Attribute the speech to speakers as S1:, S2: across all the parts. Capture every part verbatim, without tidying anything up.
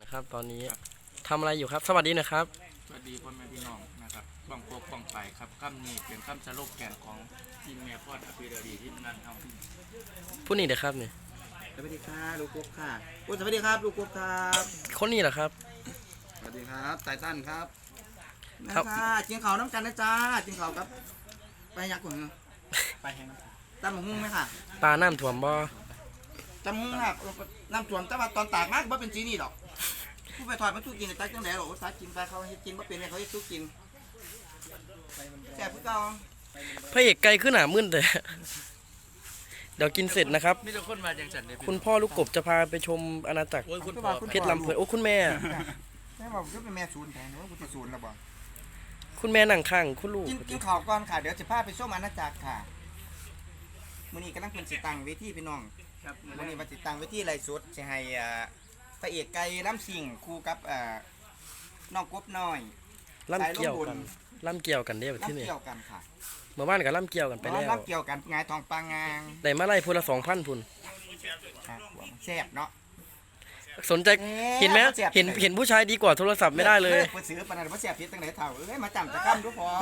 S1: ครับตอนนี้ทำอะไรอยู่ครับสวัสดีนะครับ
S2: สวัสดีพ่อแม่พี่น้องนะครับบังโปกบังไปครับคำนี้เป็นคำสรุปแกนของทีมเมียพอดอภิรดีที่งานเฮา
S1: ผู้นี้เด้อครับนี่
S3: สวัสดีค่ะลูกกุ๊กค่ะโอ้สวัสดีครับลูกกุ๊กครับ
S1: คนนี้เหรอครับ
S3: สวัสดีครับไตตันครับ
S1: ค
S3: นะ
S1: รับ
S3: ค่ะกินข้าวน้ำกันนะจ้ากินข้าวครับไปยักษ์ก่อน
S2: ไปแห้ง
S3: ตำหมกหุ้งไหมค่ะ
S1: ปลาน้ำถ่วมบ่
S3: ตำหมกหุ้งค่ะน้ำท่วมแต่ว่าตอนตากมากว่าเป็นสีนี่หรอกผู้ไปถอดมันทุกกินแต่ตักจังไหนหรอกสักกินไปเขาให้กินว่าเป็นเนี่ยเขาให้ทุกกินแซ่บผู้เก่า
S1: พระเอกไกลขึ้นหนามึนแต่ เดี๋ยวกินเสร็จนะครับ
S2: มีแต่คนมาจังสันเลย
S1: คุณพ่อลูกกบจะพาไปชมอาณาจักร
S2: โอ้ยคุณพ่อ
S1: เพชรลำเพลินโอ้คุณแม่
S3: แม่บอกว่าเป็นแม่ศูนย์แทนว่ากูจะศูนย์แล้วบอก
S1: คุณแม่นั่งข้างคุณลูก
S3: กินกินข้าวก่อนค่ะเดี๋ยวจะพาไปส้มอาณาจักรค่ะมื้อนี้กำลังเป็นสิตังเวทีพี่น้อง
S2: ครับ
S3: วันนี้มาติดตามไว้ที่ไรสุดจะให้อ่าพระเอกไก่ล้ำสิงคู่กับอ่าน้องกบน้อย
S1: ล่ำเกี่ยวกันล่ำเกี่ยวกันเด้อที่
S3: ล้ำ
S1: นี่
S3: เกี่ยวกันค่ะ
S1: เมื่อวานกับล่ำเกี่ยวกันไปแล้ว
S3: ล้ำเกี่ยวกันงายทองปางงาง
S1: ได้มาไล่พูละสองพันพุ่น
S3: ค่ะหัวมันแซ่บเนาะ
S1: สนใจเห็นไหมเห็นเห็นผู้ชายดีกว่าโทรศัพท์ไม่ได้เลย
S3: เปิดซื้อปานนั้นว่าแซ่บเพียตั้งไหนเท่าเอ้ยมาจำตะกำดูพอ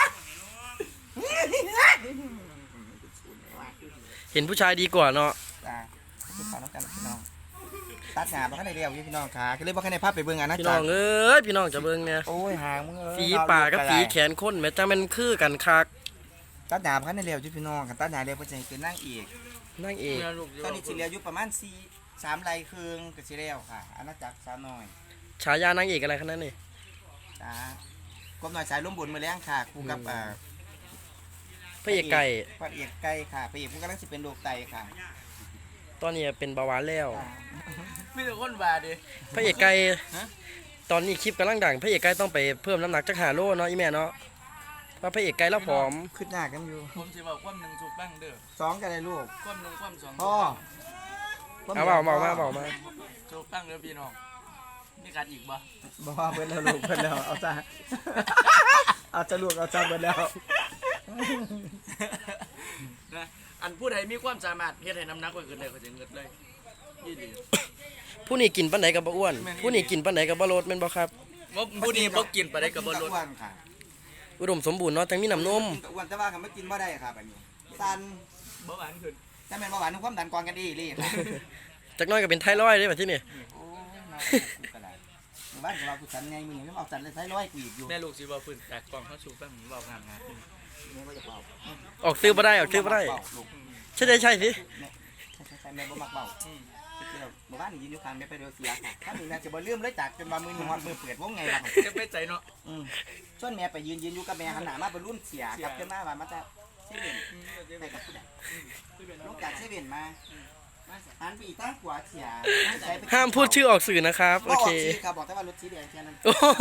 S1: เห็นผู้ชายดีกว่าเนาะ
S3: จ้าติดตามน้องกันพี่น้องตัดหนาบ่คันได้เรียวอยู่พี่น้องค่ะก็เลยบ่คันได้ภาพไปเบิ่งอาณา
S1: พี่
S3: จั
S1: น้
S3: ก
S1: อง
S3: ร
S1: เอ้ยพี่น้องจะเบิ่งเนี่ย
S3: โอ้ยหางมึงเอ้ย
S1: ฝีปากกับฝีแขนคนแม้จะมันคือกันคัก
S3: ตัดหนาบ่คันได้เรียวอยู่พี่น้องคันตัดหนาเรียวเพิ่นจะให้เป็นนางเอก
S1: นั่งเอก
S3: ตอนนี้สิเหลืออยู่ประมาณสี่ สามไร่ครึ่งก็สิแล้วค่ะอาณาจักรสาวน้อย
S1: ฉายานางเอกอะไรขนาดนั้นนี่
S3: จ้ากบหน่อยสายลมบุญมือแรงค่ะคู่กับอ่า
S1: พระเอกไก่
S3: พระเอกไก่ค่ะพระเอกผู้กำลังสิเป็นโรคไตค่ะ
S1: ตอนนี้เป็นเบาหวานแล้ว
S3: อ่า
S2: มีแต่คนมาดิ
S1: พระเอกไก่ตอนนี้คลิปกำลังดังพระเอกไก่ต้องไปเพิ่มน้ำหนักจักหาโลเนาะอีแม่เนาะเพราะพระเอกไก่แล้วผอม
S3: ขึ้นหน้ากันอยู่
S2: ผมสิบอกความหนึ่งถูกบ้างเด้อ
S3: สองกันเลยลูก
S2: ความหนึ่งความสอง
S3: พ่อ
S1: เอาเบาเบามาเบามา
S2: ถูกบ้างเด้อพี่น้องมีการอีกบ่
S3: บอกว่าเพิ่นแล้วลูกเพิ่นแล้วเอาจ้า เอาจ้าลูกเอาจ้าเพิ่นแล้ว
S2: นะอันผู้ใดมีความสามารถเฮ็ดให้น้ำหนักไว้ขึ้นได้ก็จะเงิดเลยยี่ดี
S1: ผู้นี้กินปันไหนกับบ่อ้วน ผู้นี้กินปันไหนกับบ่ลดแม่นบ่ครับ
S2: ว่าผู้นี้บ่กินไปได้กับบนรถ
S3: อ้วนค่ะ
S1: อุดมสมบูรณ์เนาะทั้งมีน้ำนม
S3: กินกับอ้วนแต่ว่าก็ไม่กินบ่ได้ค่ะแบบนี้ตัน
S2: บ่หวานขึ้น
S3: ถ้าแม่นบ่หวานความดันกวางกันดีเลยค่ะ
S1: จักหน้อยก็เป็นไทรอยด์ได้แบบที่นี่
S3: โอ้ยน่ากูกระไรบ้านของเรากูสันไงมึงยังไม่เอาสันเลยใช้ร้อยกูอีกอยู่
S2: แม่ลูกสิบ่พื้นแต่กล่องเขาสูบบ้างเว้างามงามขึ้น
S3: แม่ว่าจะเบา
S1: ออกซื้อบ่ได้ออกซื้อบ่ได้
S3: ลูก
S1: ใช่ได้ใช่สิ
S3: ใช่ใช่ใช่แม่บ่มักเบา
S2: อืม
S3: ที่เราหมู่บ้านยืนอยู่ข้างแม่ไปเดียวเสียค่ะถ้ามีแม่จะบ่ลืมเลยจากจนว่ามือหนึ่งฮอดมือเปิดวงไงล่ะ
S2: จะไปใจเนาะ
S3: อืมส่วนแม่ไปยืนยืนอยู่กับแม่หันหน้ามาไปรุ่นเสียกลับขึ้นมาว่ามันจะเซเว่นไปกับผู้ใดลงจากเซเว่นมาหันไปอีกตั้งขวาเสีย
S1: ห้ามพูดชื่อออกสื่อนะครับโอเค
S3: ครับบอกแต่ว่ารถสีแดงแค่นั้น
S1: โอ้โห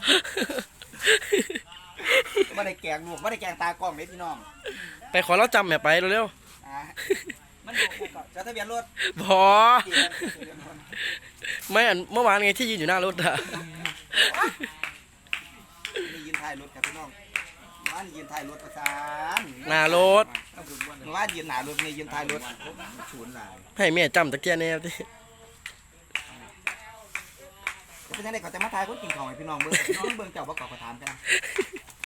S3: ไม่ได้แกงลูกไม่ได้แกงตากล้องเลยพี่น้อง
S1: ไปขอเราจำแม่ไปเร็ว
S3: อ่ามันดูก่อนจะทะเบียนรถ
S1: ๆพอไม่อันเมื่อวานไงที่ยืนอยู่หน้ารถอะ
S3: นี่ยืนถ่ายรถครับพี่น้องว่านยืนถ่ายรถประสาน
S1: หน้ารถ
S3: ว่านยืนหนารถนี่ยืนถ่ายรถศูนย์หลาย
S1: ให้แม่จำตะเกียบแนวที่
S3: เป็นยังไงก่อนจะมาถ่ายคนกินของให้พี่น้องเบิ้งน้องเบิ้งเจ้าบ่เก่าก็ถามกัน